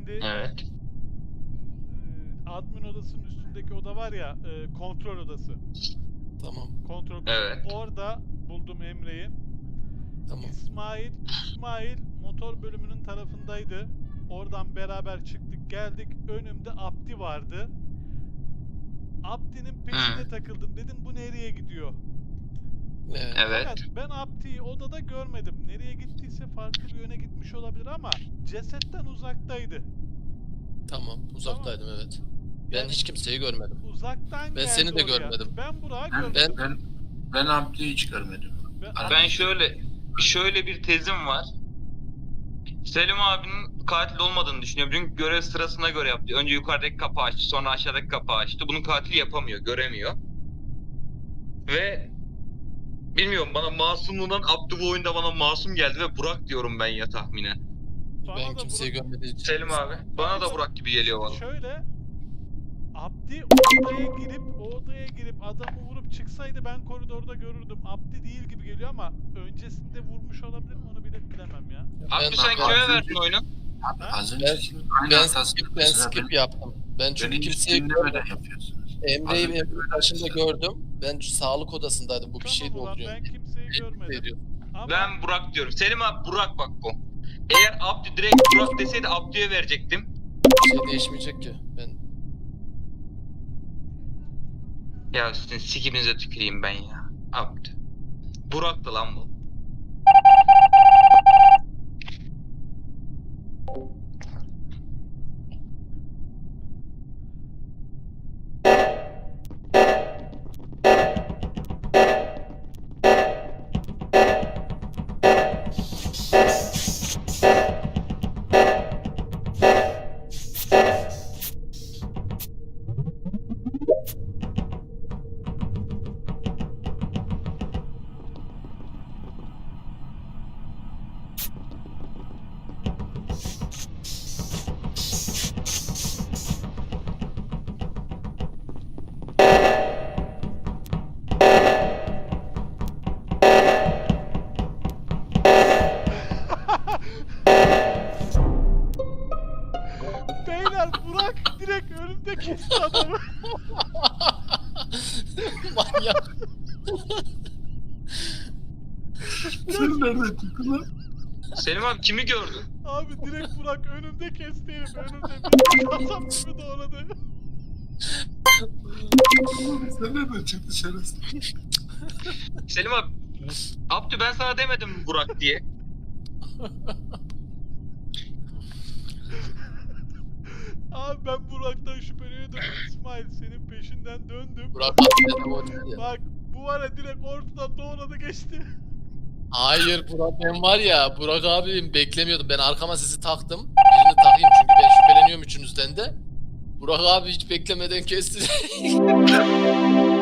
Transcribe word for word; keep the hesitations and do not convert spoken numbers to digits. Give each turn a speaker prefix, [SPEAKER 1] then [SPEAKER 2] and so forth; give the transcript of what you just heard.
[SPEAKER 1] Şimdi
[SPEAKER 2] Evet.
[SPEAKER 1] e, admin odasının üstündeki oda var ya, e, kontrol odası.
[SPEAKER 3] Tamam.
[SPEAKER 1] Kontrol kısmı.
[SPEAKER 2] Evet.
[SPEAKER 1] Orada buldum Emre'yi.
[SPEAKER 3] Tamam.
[SPEAKER 1] İsmail, İsmail motor bölümünün tarafındaydı. Oradan beraber çıktık geldik. Önümde Abdi vardı. Abdi'nin peşine
[SPEAKER 2] Hı.
[SPEAKER 1] takıldım. Dedim bu nereye gidiyor?
[SPEAKER 3] Evet.
[SPEAKER 2] Evet.
[SPEAKER 1] Fakat ben Abdi'yi odada görmedim. Nereye gittiyse farklı bir yöne gitmiş olabilir ama cesetten uzaktaydı.
[SPEAKER 3] Tamam. Uzaktaydım evet. Ben
[SPEAKER 1] Yani
[SPEAKER 3] hiç kimseyi görmedim.
[SPEAKER 1] uzaktan
[SPEAKER 3] Ben
[SPEAKER 1] geldi
[SPEAKER 3] seni de
[SPEAKER 1] oraya.
[SPEAKER 3] görmedim.
[SPEAKER 1] Ben Burak'ı
[SPEAKER 4] Ben,
[SPEAKER 1] görmedim.
[SPEAKER 4] ben, ben Abdi'yi hiç görmedim.
[SPEAKER 1] Ben,
[SPEAKER 2] Ben şöyle şöyle bir tezim var. Selim abinin katil olmadığını düşünüyorum. Çünkü görev sırasına göre yaptı. Önce yukarıdaki kapağı açtı, sonra aşağıdaki kapağı açtı. Bunun katili yapamıyor, göremiyor. Ve bilmiyorum, bana masumluğundan Abdü bu oyunda bana masum geldi ve Burak diyorum ben ya tahminen.
[SPEAKER 1] Bana
[SPEAKER 3] Ben
[SPEAKER 1] da
[SPEAKER 3] kimseyi
[SPEAKER 1] Burak-
[SPEAKER 3] görmediğim için.
[SPEAKER 2] Selim abi, bana da Burak gibi geliyor bana.
[SPEAKER 1] Şöyle, Abdi odaya girip o odaya girip adamı vurup çıksaydı ben koridorda görürdüm. Abdi değil gibi geliyor ama öncesinde vurmuş olabilir mi onu bile bilemem ya.
[SPEAKER 2] Abdü
[SPEAKER 3] Ben-
[SPEAKER 2] sen
[SPEAKER 4] ben-
[SPEAKER 2] kime verdin oyunu?
[SPEAKER 4] Abi
[SPEAKER 1] Ha?
[SPEAKER 4] az
[SPEAKER 3] Ben,
[SPEAKER 4] önceki aynı
[SPEAKER 3] ben,
[SPEAKER 4] hatasını
[SPEAKER 3] skip, ben
[SPEAKER 4] mesela
[SPEAKER 3] skip
[SPEAKER 4] ben-
[SPEAKER 3] yaptım. Ben çünkü
[SPEAKER 4] beni hiç
[SPEAKER 3] kimseyi
[SPEAKER 4] dinlemeden yapıyorsunuz.
[SPEAKER 3] Emre'yi
[SPEAKER 4] Az önce
[SPEAKER 3] Emre'nin başında
[SPEAKER 4] mesela-
[SPEAKER 3] gördüm. Ben sağlık odasındaydım. Bu bir şey
[SPEAKER 1] Tamam ulan,
[SPEAKER 3] dolduruyor.
[SPEAKER 1] ben kimseyi görmedim. Ama
[SPEAKER 2] Ben Burak diyorum. Selim abi, Burak bak bu. Eğer Abdü direkt Burak deseydi Abdü'ye verecektim.
[SPEAKER 3] Bir şey değişmeyecek ki. Ben
[SPEAKER 2] Ya sizin sikimize tüküreyim ben ya. Abdü. Burak'tı lan bu.
[SPEAKER 1] beyler Burak direkt önümde kesti adamı.
[SPEAKER 3] manyak.
[SPEAKER 4] Sen nereden çıktın lan?
[SPEAKER 2] Selim abi kimi gördün?
[SPEAKER 1] Abi direkt Burak önümde kesti herif. Önümde bir kasap gibi doğradı.
[SPEAKER 4] Sen nereden çıktın şerefsiz?
[SPEAKER 2] Selim abi. Abdü ben sana demedim mi Burak diye.
[SPEAKER 1] Abi ben Burak'tan şüpheleniyordum. İsmail senin peşinden döndüm.
[SPEAKER 3] Burak abi dedim o değil ya.
[SPEAKER 1] Bak bu var ya direkt ortadan doğradı geçti.
[SPEAKER 3] Hayır Burak, ben var ya Burak abim beklemiyordum. Ben arkama sizi taktım. Birini takayım çünkü ben şüpheleniyorum üçünüzden de. Burak abi hiç beklemeden kesti.